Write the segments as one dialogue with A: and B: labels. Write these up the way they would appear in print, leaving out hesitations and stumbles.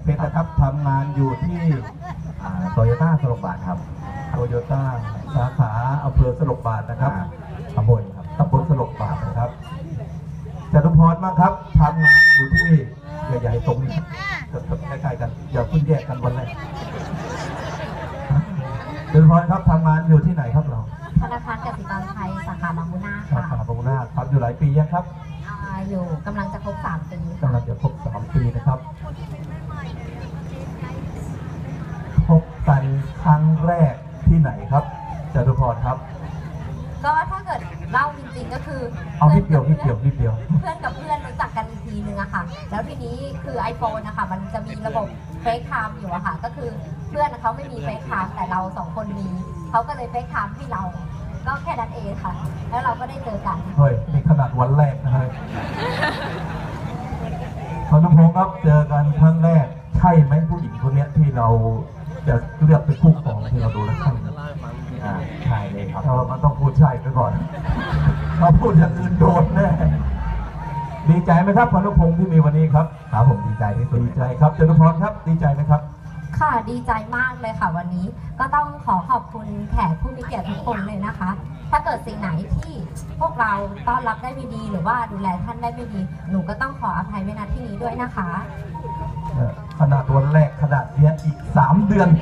A: ชรนะครับทำงานอยู่ที่
B: โตโยต้าสลบบาทครับ
A: โตโยต้าสาขาอำเภอสลบบาทนะครับ
B: ตำบลครับ
A: ตำบลสลบบาทนะครับจตุพรมากครับทำงานอยู่ที่ใหญ่ๆตรงนี้ใกล้ๆกันอย่าเพิ่งแยกกันวันแรกจตุพรครับทำงานอยู่ที่ไหนครับเรา
C: ธนาคารกสิกรไทยสาขาบางมุนา
A: สาขาบางมุนาทำอยู่หลายปียังครับ
C: อยู่กำลังจะครบ3 ปี
A: กำลังจะครบ3 ปีนะครับพบกันครั้งแรกที่ไหนครับจตุพรครับ
C: ก็ถ้าเกิดเล่าจริงๆก็คือ
A: เอานิดเดียวเ
C: พื่อนกับเพื่อนรู้จักกันอีกทีนึงอะค่ะแล้วทีนี้คือ iPhone นะคะมันจะมีระบบเฟซไทม์อยู่อะค่ะก็คือเพื่อนเขาไม่มีเฟซไทม์แต่เรา2 คนมีเขาก็เลยเฟซไทม์ให้เราก็แค่นั้นเองค่ะแล้วเราก็ได้เจอกัน
A: เฮ้ยนี่ขนาดวันแรกนะเฮ้ยพนุพงศ์ครับเจอกันครั้งแรกใช่ไหมผู้หญิงคนนี้ที่เราจะเลือกเป็นคู่ครองที่เราดูแล้วใช่
B: ใช่เลยครับ
A: มันต้องพูดใช่ไปก่อนมาพูดอย่างอื่นโดนแน่ดีใจไหมครับพนุพงศ์ที่มีวันนี้ครับ
B: ครับผมดีใจที่สุด
A: ดีใจครับจตุพรครับดีใจไหมครับ
C: ค่ะดีใจมากเลยค่ะวันนี้ก็ต้องขอขอบคุณแขกผู้มีเกียรติทุกคนเลยนะคะถ้าเกิดสิ่งไหนที่พวกเราต้อนรับได้ไม่ดีหรือว่าดูแลท่านได้ไม่ดีหนูก็ต้องขออภัยไว้ณที่นี้ด้วยนะคะ
A: ขนาดวันแรกขนาดเรียนอีก3 เดือน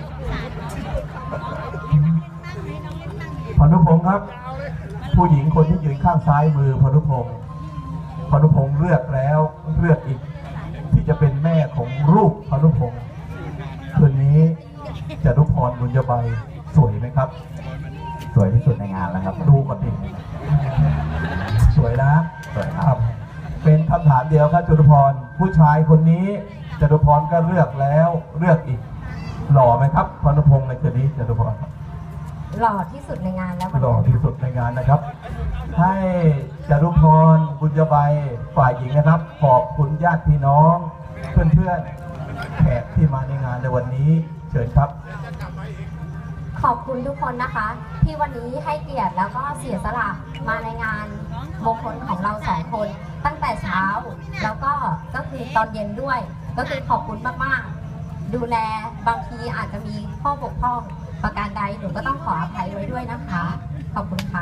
A: พนุพงศ์ครับผู้หญิงคนที่ยืนข้างซ้ายมือพนุพงศ์เลือกแล้วเลือกอีกที่จะเป็นแม่ของลูกพนุพงศ์คืนนี้จตุพรบุญยบัยสวยไหมครับ
B: สวยที่สุดในงานแล้วครับ
A: ดูก่อนดิสวยนะ
B: สวยครับ
A: เป็นคำถามเดียวครับจตุพรผู้ชายคนนี้จตุพรก็เลือกแล้วเลือกอีกหล่อไหมครับพนุพงศ์ในคืนนี้จตุพร
C: หล่อที่สุดในงานแล้ว
A: หล่อที่สุดในงานนะครับให้จตุพรบุญยบัยฝ่ายหญิงนะครับขอบคุณญาติพี่น้องเพื่อนๆแขกที่มาในงานในวันนี้เชิญครับ
C: ขอบคุณทุกคนนะคะที่วันนี้ให้เกียรติแล้วก็เสียสละมาในงานมงคลของเรา2 คนตั้งแต่เช้าแล้วก็คือตอนเย็นด้วยก็คือขอบคุณมากๆดูแลบางทีอาจจะมีข้อบกพร่องประการใดหนูก็ต้องขออภัยไว้ด้วยนะคะขอบคุณค่ะ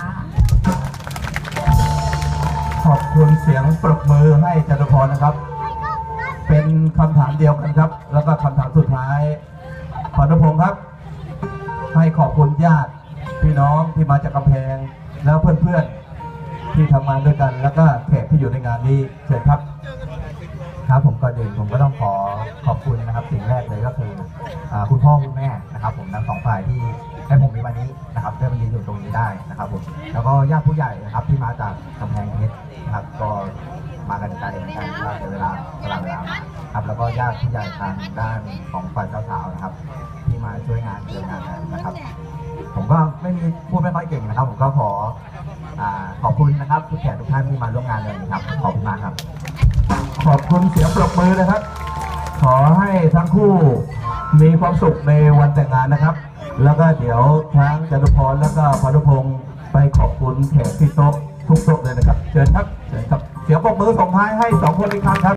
A: ขอบคุณเสียงปรบมือให้จตุพรนะครับเป็นคำถามเดียวกันครับแล้วก็คำถามสุดท้ายพนุพงศ์ครับให้ขอบคุณญาติพี่น้องที่มาจากกำแพงแล้วเพื่อนๆที่ทำงานด้วยกันแล้วก็แขกที่อยู่ในงานนี้เชิญครับ
B: ครับผมก่อนอื่นผมก็ต้องขอบคุณนะครับสิ่งแรกเลยก็คือคุณพ่อคุณแม่นะครับผมทั้ง2 ฝ่ายที่ให้ผมมีวันนี้นะครับได้มายืนอยู่ตรงนี้ได้นะครับผมแล้วก็ญาติผู้ใหญ่นะครับที่มาจากกำแพงเพชรนะครับก็มากันไกลเหมือนกันว่าเวลาครับแล้วก็ญาติผู้ใหญ่ทางด้านของฝ่ายเจ้าสาวนะครับที่มาช่วยงานเกี่ยวงานนะครับผมก็พูดไม่ค่อยเก่งนะครับผมก็ขอบคุณนะครับทุกแขกทุกท่านที่มาร่วมงานเลยครับขอบคุณมากครับ
A: ขอบคุณเสียงปรบมือนะครับขอให้ทั้งคู่มีความสุขในวันแต่งงานนะครับแล้วก็เดี๋ยวทั้งจตุพรแล้วก็พนุพงศ์ไปขอบคุณแขกที่โต๊ะทุกโต๊ะเลยนะครับเชิญครับเสียงปรบมือส่งท้ายให้2 คนอีกครั้งครับ